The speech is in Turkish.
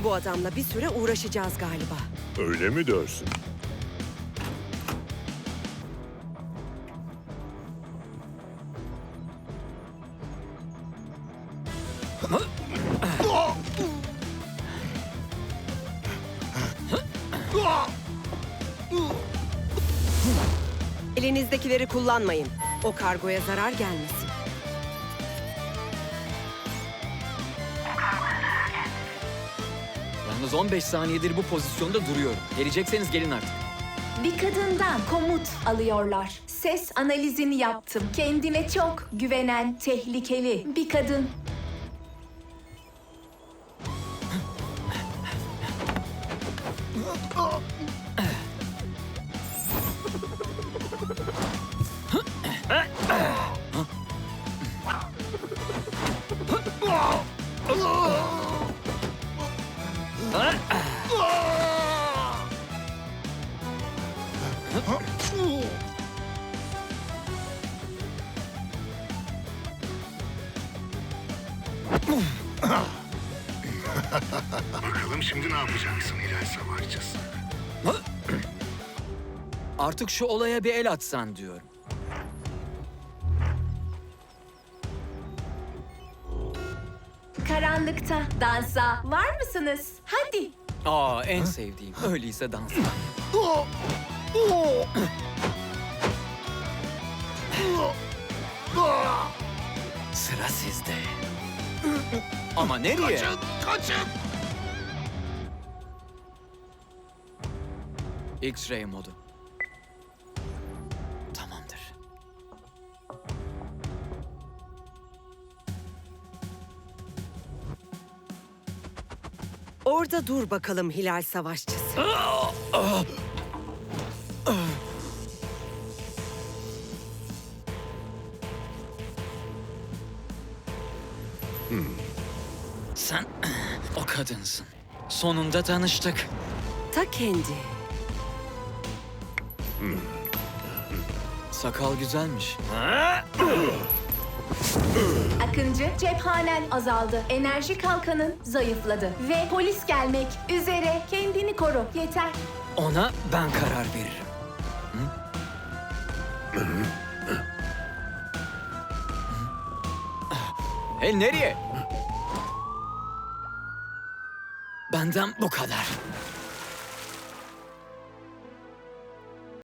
Bu adamla bir süre uğraşacağız galiba. Öyle mi dersin? Elinizdekileri kullanmayın. O kargoya zarar gelmesin. Yalnız 15 saniyedir bu pozisyonda duruyorum. Gelecekseniz gelin artık. Bir kadından komut alıyorlar. Ses analizini yaptım. Kendine çok güvenen, tehlikeli bir kadın. Bakalım şimdi ne yapacaksın Hilal Savaşçısı? Artık şu olaya bir el atsan diyorum. Karanlıkta dansa var mısınız? Hadi. Aa, en sevdiğim. Öyleyse dans. Sıra sizde. Ama nereye? Kaçın! X-ray modu. Tamamdır. Orada dur bakalım Hilal Savaşçısı. Sen o kadınsın. Sonunda tanıştık. Ta kendi. Sakal güzelmiş. Akıncı, cephanen azaldı. Enerji kalkanın zayıfladı. Ve polis gelmek üzere. Kendini koru. Yeter. Ona ben karar veririm. Hey, nereye? Benden bu kadar.